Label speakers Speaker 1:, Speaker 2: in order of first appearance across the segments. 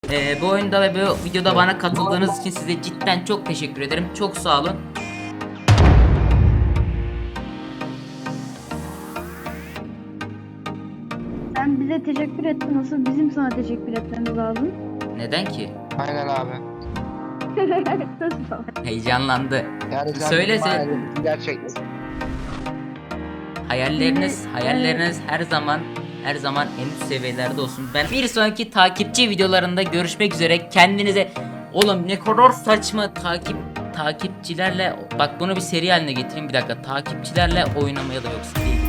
Speaker 1: Bu oyunda ve bu videoda bana katıldığınız için size cidden çok teşekkür ederim. Çok sağ olun.
Speaker 2: Sen bize teşekkür ettin. Nasıl bizim sana teşekkür etmemiz lazım?
Speaker 1: Neden ki?
Speaker 3: Aynen abi.
Speaker 2: Nasıl?
Speaker 1: Heyecanlandı.
Speaker 3: Yani sen
Speaker 1: Söyle.
Speaker 3: gerçekten.
Speaker 1: Hayalleriniz her zaman en üst seviyelerde olsun. Ben bir sonraki takipçi videolarında görüşmek üzere. Kendinize oğlum ne kadar saçma takipçilerle bak bunu bir seri haline getireyim bir dakika. Takipçilerle oynamaya da yoksa değil.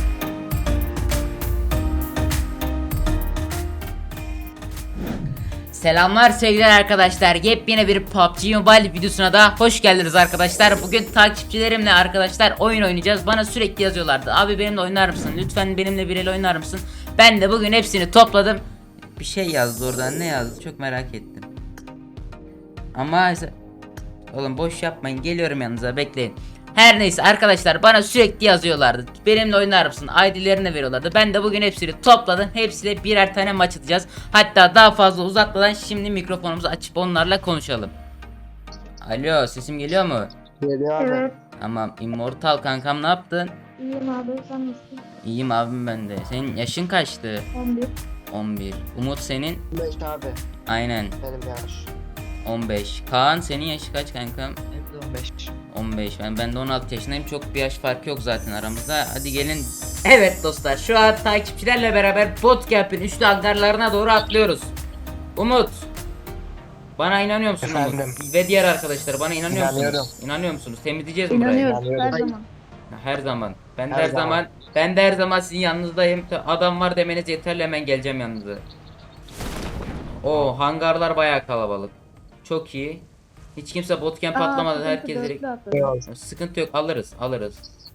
Speaker 1: Selamlar sevgili arkadaşlar. Yepyeni bir PUBG Mobile videosuna da hoş geldiniz arkadaşlar. Bugün takipçilerimle arkadaşlar oyun oynayacağız. Bana sürekli yazıyorlardı. Abi benimle oynar mısın? Lütfen benimle bir el oynar mısın? Ben de bugün hepsini topladım. Bir şey yazdı oradan. Ne yazdı? Çok merak ettim. Ama oğlum boş yapmayın. Geliyorum yanınıza. Bekleyin. Her neyse arkadaşlar bana sürekli yazıyorlardı. Benimle oynar mısın? ID'lerini veriyorlardı. Ben de bugün hepsini topladım. Hepsiyle birer tane maç atacağız. Hatta daha fazla uzatmadan şimdi mikrofonumuzu açıp onlarla konuşalım. Alo, sesim geliyor mu?
Speaker 3: Geliyor abi.
Speaker 2: Evet.
Speaker 1: Tamam. Immortal kankam ne yaptın?
Speaker 2: İyiyim abi. Sen nasılsın?
Speaker 1: İyiyim abim ben de. Senin yaşın kaçtı?
Speaker 2: 11.
Speaker 1: 11. Umut senin?
Speaker 3: 5 abi.
Speaker 1: Aynen.
Speaker 3: Benim yaş.
Speaker 1: 15. Kaan senin yaşı kaç kankam?
Speaker 3: Hep 15.
Speaker 1: 15. Ben de 16 yaşındayım. Çok bir yaş farkı yok zaten aramızda. Hadi gelin. Evet dostlar, şu an takipçilerle beraber Botcap'in üçlü hangarlarına doğru atlıyoruz. Umut, bana inanıyor musun
Speaker 3: Efendim?
Speaker 1: Umut? Ve diğer arkadaşlar bana inanıyor
Speaker 3: İnanıyorum.
Speaker 1: musunuz? İnanıyor musunuz? Temizleyeceğiz mi burayı?
Speaker 2: İnanıyoruz. Her
Speaker 3: İnanıyorum.
Speaker 2: zaman.
Speaker 1: Her zaman. Ben de
Speaker 3: Her
Speaker 1: her zaman.
Speaker 3: zaman.
Speaker 1: Ben de her zaman sizin yanınızdayım. Adam var demeniz yeterli, hemen geleceğim yanınıza. O hangarlar bayağı kalabalık. Çok iyi. Hiç kimse botcamp atlamadı. Herkes direkt.
Speaker 3: Yok.
Speaker 1: Sıkıntı yok, alırız.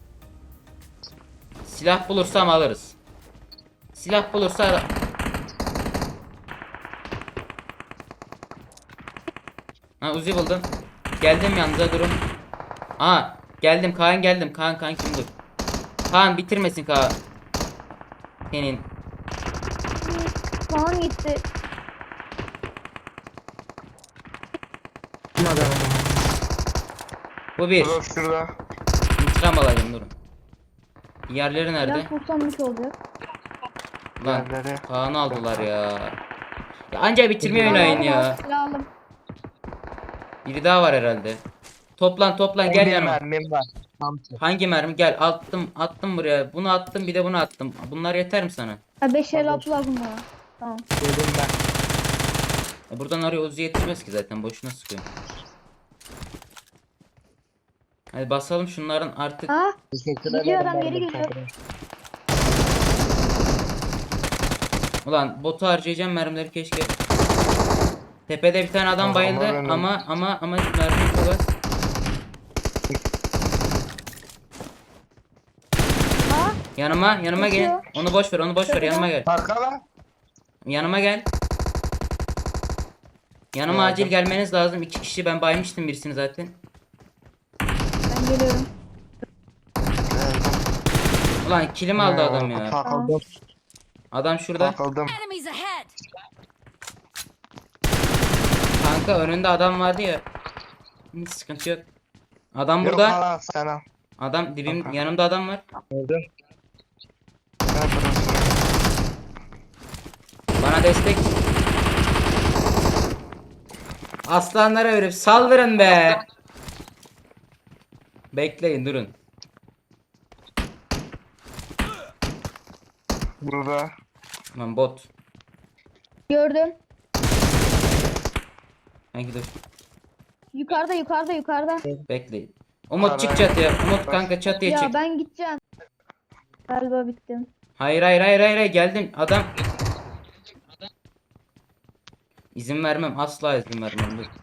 Speaker 1: Silah bulursam alırız. Silah bulursa ha, Uzi buldum. Geldim yanınıza, durun. Aa, geldim Kaan, geldim. Kaan kim dur. Kaan bitirmesin Kaan. Senin.
Speaker 2: Puan gitti.
Speaker 1: Bu bir.
Speaker 3: Dur şurada.
Speaker 1: İntikam alacağım, durun. Diğerleri nerede?
Speaker 2: Biraz kursanmış olacak.
Speaker 1: Lan
Speaker 3: Diğerleri.
Speaker 1: Kaan'ı aldılar ya. Ya anca bitirmeyi oynayın ya.
Speaker 2: Silahım.
Speaker 1: Biri daha var herhalde. Toplan gel
Speaker 3: Bir
Speaker 1: yanıma.
Speaker 3: mermim var. Hamsi.
Speaker 1: Hangi mermi? Gel, attım buraya. Bunu attım, bir de bunu attım. Bunlar yeter mi sana?
Speaker 2: Ha 5 el atı lazım bana. Tamam.
Speaker 3: Dedim ben.
Speaker 1: Buradan oraya Uzi yetişmez ki zaten, boşuna sıkıyorum. Hadi basalım şunların artık.
Speaker 2: Ha?
Speaker 3: Teşekkür
Speaker 2: Gidiyor
Speaker 3: ederim.
Speaker 2: adam,
Speaker 3: ben
Speaker 2: geri
Speaker 3: de
Speaker 2: geliyor.
Speaker 3: kanka.
Speaker 1: Ulan botu harcayacağım mermileri keşke. Tepede bir tane adam
Speaker 3: Ama
Speaker 1: bayıldı
Speaker 3: benim-
Speaker 1: ama mermi çok az.
Speaker 2: Ha?
Speaker 1: Yanıma gel.
Speaker 2: Geçiyor.
Speaker 1: Onu boş ver yanıma gel.
Speaker 3: Arkala.
Speaker 1: Yanıma gel. Yanıma acil gelmeniz lazım. 2 kişi, ben baymıştım birisini zaten.
Speaker 2: Ben geliyorum.
Speaker 1: Ulan kilimi aldı adam ya.
Speaker 3: Takıldım.
Speaker 1: Adam şurada.
Speaker 3: Takıldım.
Speaker 4: Enemies ahead!
Speaker 1: Kanka önünde adam vardı ya. Hiç sıkıntı yok. Adam
Speaker 3: Yok
Speaker 1: burada.
Speaker 3: hala sana.
Speaker 1: Adam dibim,
Speaker 3: Kanka.
Speaker 1: yanımda adam var.
Speaker 3: Öldüm. Ben burası.
Speaker 1: Bana destek. Aslanlara verip saldırın be. Bekleyin, durun.
Speaker 3: Burada.
Speaker 1: Lan bot.
Speaker 2: Gördüm.
Speaker 1: Hangi dur.
Speaker 2: Yukarıda.
Speaker 1: Bekleyin. Umut çık çatıya. Umut kanka çatıya
Speaker 2: Ya
Speaker 1: çık.
Speaker 2: ben gideceğim. Galiba bittim.
Speaker 1: Hayır, geldim. Adam. İzin vermem. Asla izin vermem. Dur.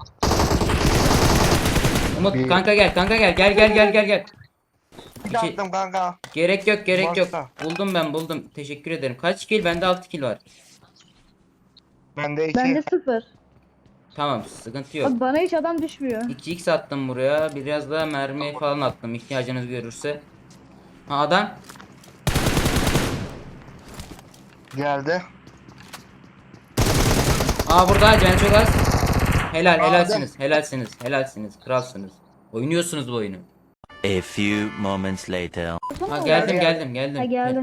Speaker 1: Umut
Speaker 3: Bir-
Speaker 1: kanka gel. Gel.
Speaker 3: Bir de attım kanka.
Speaker 1: Gerek yok.
Speaker 3: Varsa.
Speaker 1: Buldum. Teşekkür ederim. Kaç kill? Bende 6 kill var.
Speaker 3: Bende 2.
Speaker 2: Bende 0.
Speaker 1: Tamam, sıkıntı yok.
Speaker 2: Bak bana hiç adam düşmüyor.
Speaker 1: 2x attım buraya. Biraz daha mermi falan attım ihtiyacınız görürse. Ha, adam.
Speaker 3: Geldi.
Speaker 1: Aa burada canı çok az. Helal
Speaker 3: Aa,
Speaker 1: helalsiniz. Helalsiniz. Helalsiniz. Kralsınız. Oynuyorsunuz bu oyunu.
Speaker 4: A few moments later.
Speaker 1: Ha geldim geldim.
Speaker 2: Ha, geldim.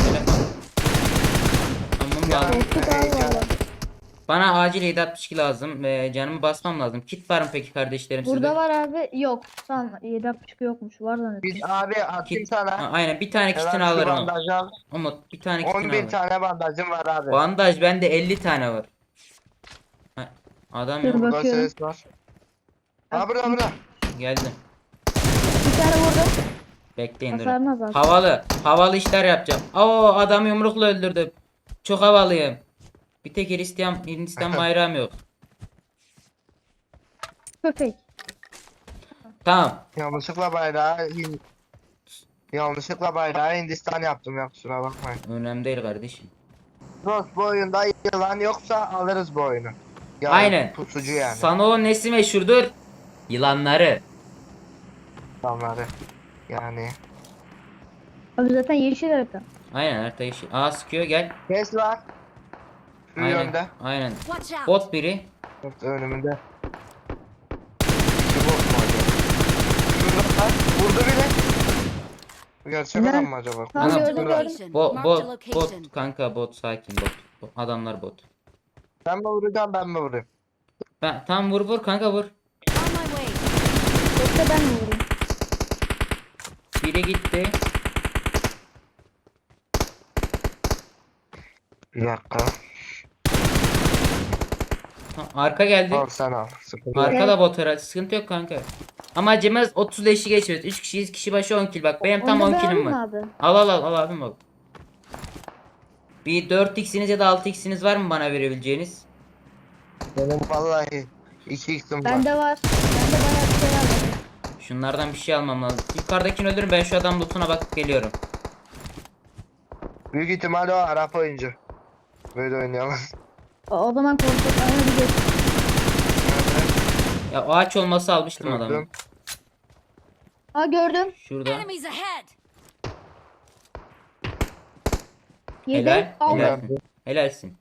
Speaker 1: Tamam
Speaker 3: Ya,
Speaker 1: lazım.
Speaker 2: Korktuk abi valla.
Speaker 1: Bana acil 762 lazım ve canımı basmam lazım. Kit var mı peki kardeşlerim sizde?
Speaker 2: Burada var abi. Yok. Tamam 7.5 yokmuş. Var zannettim.
Speaker 3: Biz abi atayım
Speaker 1: Kit. Ha,
Speaker 3: sana.
Speaker 1: aynen bir tane kitini
Speaker 3: Hemen şu
Speaker 1: alırım.
Speaker 3: bandajı al.
Speaker 1: Umut bir tane kitini
Speaker 3: 11
Speaker 1: alırım.
Speaker 3: tane bandajım var abi.
Speaker 1: Bandaj bende 50 tane var. Ha, adam
Speaker 2: Dur
Speaker 1: yok.
Speaker 2: bak.
Speaker 3: Burada
Speaker 2: bakıyorum.
Speaker 3: ses var. Ha burada.
Speaker 1: Geldim.
Speaker 2: Bir tane vurdum.
Speaker 1: Bekleyin durun.
Speaker 2: Hasarını azalt.
Speaker 1: Havalı işler yapacağım. Oo adam yumrukla öldürdüm. Çok havalıyım. Bir tek Hindistan bayrağım yok.
Speaker 2: Köpek.
Speaker 1: Tamam.
Speaker 3: Yanlışlıkla bayrağı Hindistan yaptım ya, kusura bakmayın.
Speaker 1: Önemli değil kardeşim.
Speaker 3: Dost, bu oyunda yılan yoksa alırız bu oyunu. Yani
Speaker 1: Aynen.
Speaker 3: Pusucu yani.
Speaker 1: Sana o nesi meşhurdur? Yılanları.
Speaker 3: Adamları. Yani.
Speaker 2: Abi zaten yeşil harita.
Speaker 1: Aynen her yeşil. Aa sıkıyor gel.
Speaker 3: Ses var. Şu
Speaker 1: Aynen.
Speaker 3: yönde.
Speaker 1: Aynen.
Speaker 5: Watch out!
Speaker 1: Bot biri.
Speaker 3: Yok, önümünde. Şu bot mu acaba? Şurada var. Vurdu bile. Bu gerçek
Speaker 2: Neden?
Speaker 3: adam mı acaba?
Speaker 2: Tamam,
Speaker 1: Ana,
Speaker 2: gördüm gördüm.
Speaker 5: Location.
Speaker 1: Bot
Speaker 5: Marked a
Speaker 1: bot
Speaker 5: location.
Speaker 1: bot kanka bot sakin bot. Adamlar bot.
Speaker 3: Ben mi vuracağım, ben mi vurayım?
Speaker 1: Ben tam vur kanka vur.
Speaker 5: On my way.
Speaker 2: Yoksa ben mi vurayım?
Speaker 1: Biri gitti.
Speaker 3: Bir dakika.
Speaker 1: Ha, arka geldi.
Speaker 3: Al sen al. Sıkıntı yok.
Speaker 1: Arka da bot herhalde. Sıkıntı yok kanka. Ama acımız 30 leşi geçiyoruz. 3 kişiyiz. Kişi başı 10 kill. Bak benim tam
Speaker 2: Onu
Speaker 1: 10
Speaker 2: da
Speaker 1: killim
Speaker 2: alayım
Speaker 1: var.
Speaker 2: mı abi?
Speaker 1: Al abim bak. Bir 4x'iniz ya da 6x'iniz var mı bana verebileceğiniz?
Speaker 3: Benim vallahi 2x'im var.
Speaker 2: Bende var. Bende bayağı bir şey var.
Speaker 1: Şunlardan bir şey almam lazım. Yukarıdakini öldürün ben şu adam lootuna bakıp geliyorum.
Speaker 3: Büyük ihtimalle o Arap oyuncu. Böyle oynayalım.
Speaker 2: O zaman korktuk. Aynen bir geç.
Speaker 1: Ya o ağaç olması almıştım adamı.
Speaker 3: Gördüm.
Speaker 2: Aa gördüm.
Speaker 1: Şurada.
Speaker 5: Enemies ahead!
Speaker 2: Yedi.
Speaker 1: Helal.
Speaker 2: Aldım.
Speaker 1: Helalsin. Helalsin.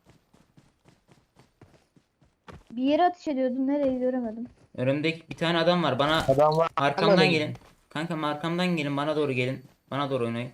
Speaker 2: Bir yere ateş ediyordum. Nereyi göremedim.
Speaker 1: Önümdeki bir tane adam var. Bana
Speaker 3: Adam var.
Speaker 1: arkamdan gelin. Kankam arkamdan gelin. Bana doğru gelin. Bana doğru oynayın.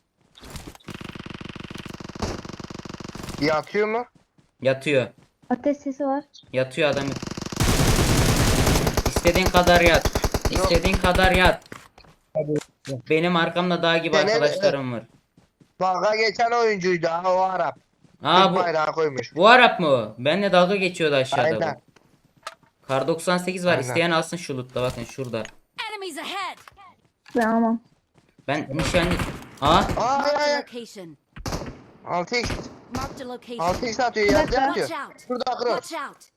Speaker 3: Yatıyor mu?
Speaker 1: Yatıyor.
Speaker 2: Ateş sesi var.
Speaker 1: Yatıyor adam. İstediğin kadar yat. İstediğin kadar yat. Benim arkamda dağ gibi
Speaker 3: Gene-
Speaker 1: arkadaşlarım var.
Speaker 3: Dalga geçen oyuncuydu ha, o Arap.
Speaker 1: Aa
Speaker 3: Türk
Speaker 1: bu
Speaker 3: bayrağı koymuş.
Speaker 1: bu Arap mı o? Benle dalga geçiyordu aşağıda
Speaker 3: Aynen.
Speaker 1: bu. Kar 98 var.
Speaker 3: Aynen.
Speaker 1: İsteyen alsın şu loot'ta bakın şurada.
Speaker 5: Enemies ahead!
Speaker 2: Ben almam.
Speaker 1: Ben nişancı... Aa
Speaker 3: Aa
Speaker 5: Marked a
Speaker 3: ya.
Speaker 5: location.
Speaker 3: 6x.
Speaker 5: Marked a location.
Speaker 3: 6x atıyor,
Speaker 2: Bir
Speaker 3: yerde
Speaker 2: dakika.
Speaker 3: atıyor.
Speaker 5: Watch out!
Speaker 3: Şurada cross.
Speaker 5: Watch out!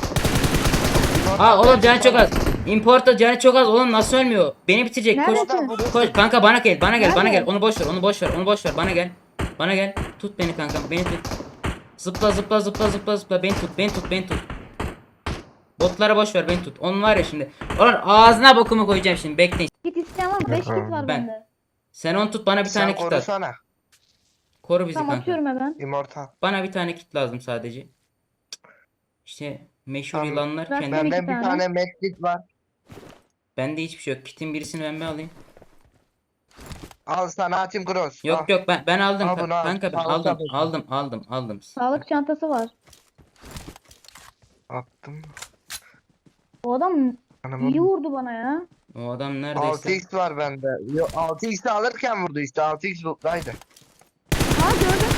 Speaker 1: Aa oğlum canı çok az. Importer canı çok az. Oğlum nasıl ölmüyor? Beni bitirecek. Koş.
Speaker 2: Neredesin?
Speaker 1: Koş kanka bana gel. Bana gel. Bana
Speaker 2: Nerede?
Speaker 1: gel. Onu boş ver. Onu boş ver. Onu boş ver. Bana gel. Bana gel. Tut beni kankam. Beni tut. Zıpla zıpla zıpla zıpla zıpla. Beni tut. Beni tut. Beni tut. Botlara boş ver. Beni tut. Onun var ya şimdi. Onun ağzına bokumu koyacağım şimdi. Bekleyin.
Speaker 2: Git isteyen var mı? 5 kit var
Speaker 1: Ben-
Speaker 2: bende.
Speaker 1: Sen onu tut. Bana bir
Speaker 3: Sen
Speaker 1: tane kit at.
Speaker 3: korusana.
Speaker 1: Koru bizi
Speaker 2: Tamam
Speaker 1: kanka.
Speaker 2: atıyorum hemen.
Speaker 3: Immortal.
Speaker 1: Bana bir tane kit lazım sadece. İşte meşhur
Speaker 3: Tamam.
Speaker 1: yılanlar
Speaker 2: Ben-
Speaker 1: kendi.
Speaker 2: Ben
Speaker 3: Benden
Speaker 2: iki
Speaker 3: bir
Speaker 2: tane.
Speaker 3: tane medkit var.
Speaker 1: Bende hiçbir şey yok. Kitin birisini ben mi alayım?
Speaker 3: Al sana atayım cross. Al.
Speaker 1: Yok ben aldım
Speaker 3: Al bunu, al.
Speaker 1: kanka ben
Speaker 3: Al,
Speaker 1: aldım
Speaker 3: al.
Speaker 1: aldım.
Speaker 2: Sağlık çantası var.
Speaker 3: Attım.
Speaker 2: O adam
Speaker 3: Anamın.
Speaker 2: iyi vurdu bana ya.
Speaker 1: O adam neredeyse.
Speaker 3: 6x var bende. Yo, 6x'i alırken vurdu işte. 6x loot'taydı.
Speaker 2: Aa gördüm.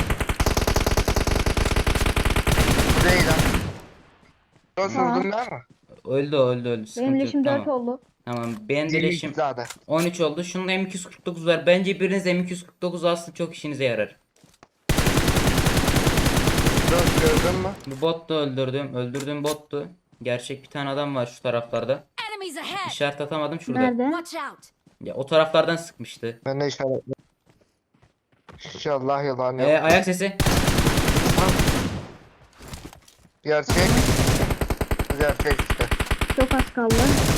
Speaker 3: Bu değil ha. Cross
Speaker 2: Tamam.
Speaker 3: vurdun değil mi?
Speaker 1: Öldü. Sıkıntı
Speaker 2: Benim
Speaker 1: yok.
Speaker 2: leşim 4
Speaker 1: Tamam.
Speaker 2: oldu.
Speaker 1: Tamam. Benim de
Speaker 3: 20
Speaker 1: leşim
Speaker 3: zaten.
Speaker 1: 13 oldu. Şunun M249 var. Bence biriniz M249 alsın çok işinize yarar.
Speaker 3: Cross gördün mü?
Speaker 1: Bu bot da öldürdüğüm bottu. Gerçek bir tane adam var şu taraflarda.
Speaker 5: Enemies ahead!
Speaker 1: İşaret atamadım şurada.
Speaker 2: Nerede?
Speaker 5: Watch out!
Speaker 1: Ya o taraflardan sıkmıştı.
Speaker 3: Ben de işaretledim. İnşallah yalan yok.
Speaker 1: Ayak sesi.
Speaker 3: Gerçek. Gerçek işte.
Speaker 2: Çok az kaldı.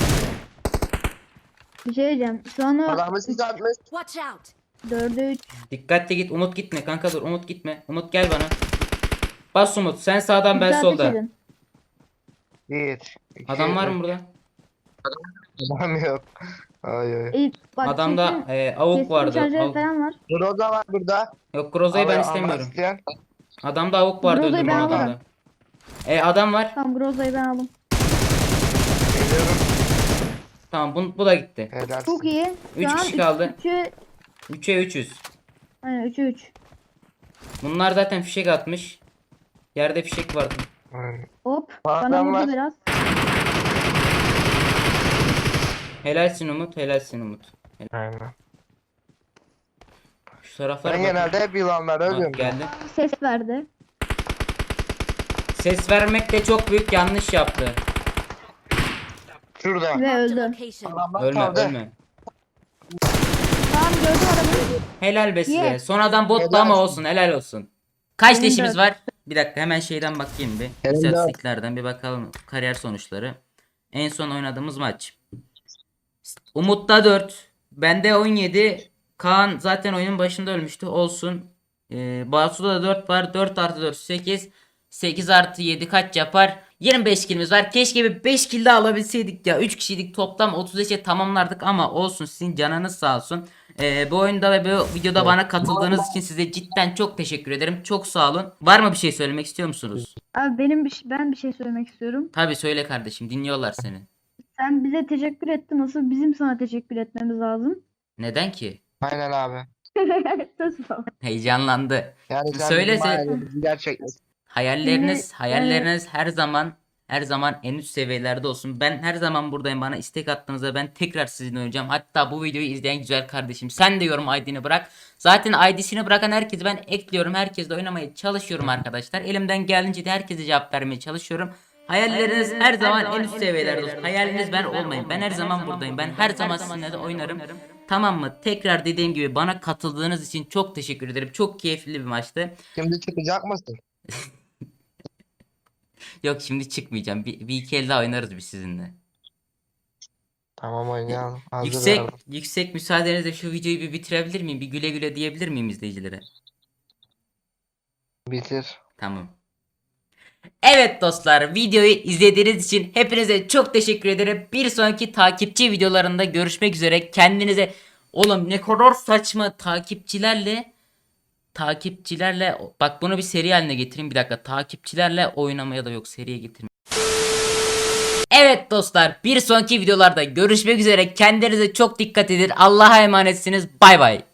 Speaker 2: Bir şey diyeceğim. Şu an o
Speaker 3: Adamı siz atmış.
Speaker 5: Watch out!
Speaker 2: 4'e 3.
Speaker 1: Dikkatli git. Umut gitme kanka dur. Umut gitme. Umut gel bana. Bas Umut. Sen sağdan ben
Speaker 2: Ateş
Speaker 1: soldan.
Speaker 2: edin.
Speaker 3: Bir. iki,
Speaker 1: Adam var mı
Speaker 3: üç.
Speaker 1: burada?
Speaker 3: Adam yok. Ay ay.
Speaker 2: Bak
Speaker 1: Adamda
Speaker 2: keskin
Speaker 1: avuk vardı.
Speaker 2: şarjör falan var.
Speaker 3: Groza var burada.
Speaker 1: Yok Groza'yı ben
Speaker 3: Almak
Speaker 1: istemiyorum.
Speaker 3: isteyen.
Speaker 1: Adamda avuk vardı,
Speaker 2: Groza'yı
Speaker 1: öldürme
Speaker 2: ben
Speaker 1: adamda.
Speaker 2: alırım.
Speaker 1: Adam var.
Speaker 2: Tamam Groza'yı ben aldım.
Speaker 3: Geliyorum.
Speaker 1: Tamam bu da gitti.
Speaker 3: Helal.
Speaker 2: Çok iyi.
Speaker 1: Üç
Speaker 2: Şu an
Speaker 1: kişi kaldı. 3'e 300.
Speaker 2: Aynen 3'e 3.
Speaker 1: Bunlar zaten fişek atmış. Yerde fişek vardı.
Speaker 3: Aynen.
Speaker 2: Hop.
Speaker 3: Adam
Speaker 2: Bana
Speaker 3: var.
Speaker 2: vurdu biraz.
Speaker 1: Helalsin Umut, helalsin Umut.
Speaker 3: Aynen.
Speaker 1: Şu taraflara
Speaker 3: Ben
Speaker 1: bak.
Speaker 3: genelde hep yılanlara
Speaker 1: Bak,
Speaker 3: ölüyorum.
Speaker 1: geldi.
Speaker 2: Ses verdi.
Speaker 1: Ses vermek de çok büyük yanlış yaptı.
Speaker 3: Şurada.
Speaker 2: Ve
Speaker 5: Marked a
Speaker 2: öldü.
Speaker 5: location.
Speaker 3: Adamlar
Speaker 1: Ölme,
Speaker 3: kaldı.
Speaker 1: ölme.
Speaker 2: Tamam gördüm adamı.
Speaker 1: Helal be size.
Speaker 2: Ye.
Speaker 1: Sonradan bottu
Speaker 3: Helal
Speaker 1: ama
Speaker 3: olsun.
Speaker 1: olsun, helal olsun. Kaç
Speaker 2: Benim
Speaker 1: leşimiz
Speaker 2: de.
Speaker 1: var? Bir dakika hemen şeyden bakayım bir.
Speaker 3: Benim de.
Speaker 1: İstatistiklerden bir bakalım kariyer sonuçları. En son oynadığımız maç. Umut'ta 4. Bende 17. Kaan zaten oyunun başında ölmüştü. Olsun. Basu'da da 4 var. 4 artı 4 8. 8 artı 7 kaç yapar? 25 killimiz var. Keşke bir 5 kill daha alabilseydik ya. 3 kişiydik toplam 35'e tamamlardık ama olsun, sizin canınız sağ olsun. Bu oyunda ve bu videoda bana katıldığınız için size cidden çok teşekkür ederim. Çok sağ olun. Var mı bir şey söylemek istiyor musunuz?
Speaker 2: Abi ben bir şey söylemek istiyorum.
Speaker 1: Tabii söyle kardeşim, dinliyorlar seni.
Speaker 2: Sen bize teşekkür ettin. Nasıl bizim sana teşekkür etmemiz lazım.
Speaker 1: Neden ki?
Speaker 3: Aynen abi.
Speaker 2: Nasıl?
Speaker 1: Heyecanlandı.
Speaker 3: Yani sen
Speaker 1: Söyle
Speaker 3: bizim
Speaker 1: sen.
Speaker 3: hayalimizi gerçekleştirdin.
Speaker 1: Hayalleriniz her zaman en üst seviyelerde olsun. Ben her zaman buradayım. Bana istek attığınızda ben tekrar sizinle oynayacağım. Hatta bu videoyu izleyen güzel kardeşim, sen de yorum ID'ni bırak. Zaten ID'sini bırakan herkesi ben ekliyorum. Herkesle oynamaya çalışıyorum arkadaşlar. Elimden geldiğince de herkese cevap vermeye çalışıyorum. Hayalleriniz her zaman en üst seviyelerde olsun. Hayaliniz ben olmayın. Ben her zaman buradayım. Ben her zaman sizinle de oynarım. Tamam mı? Tekrar dediğim gibi bana katıldığınız için çok teşekkür ederim. Çok keyifli bir maçtı.
Speaker 3: Şimdi çıkacak mısın?
Speaker 1: Yok, şimdi çıkmayacağım. Bir iki el daha oynarız biz sizinle.
Speaker 3: Tamam oynayalım. Hazır
Speaker 1: Yüksek
Speaker 3: verdim.
Speaker 1: yüksek müsaadenizle şu videoyu bir bitirebilir miyim? Bir güle güle diyebilir miyim izleyicilere?
Speaker 3: Bitir.
Speaker 1: Tamam. Evet dostlar, videoyu izlediğiniz için hepinize çok teşekkür ederim. Bir sonraki takipçi videolarında görüşmek üzere. Kendinize, oğlum ne kadar saçma, takipçilerle bak, bunu bir seri haline getireyim, bir dakika. Takipçilerle oynamaya da yok, seriye getireyim. Evet dostlar, bir sonraki videolarda görüşmek üzere. Kendinize çok dikkat edin. Allah'a emanetsiniz. Bay bay.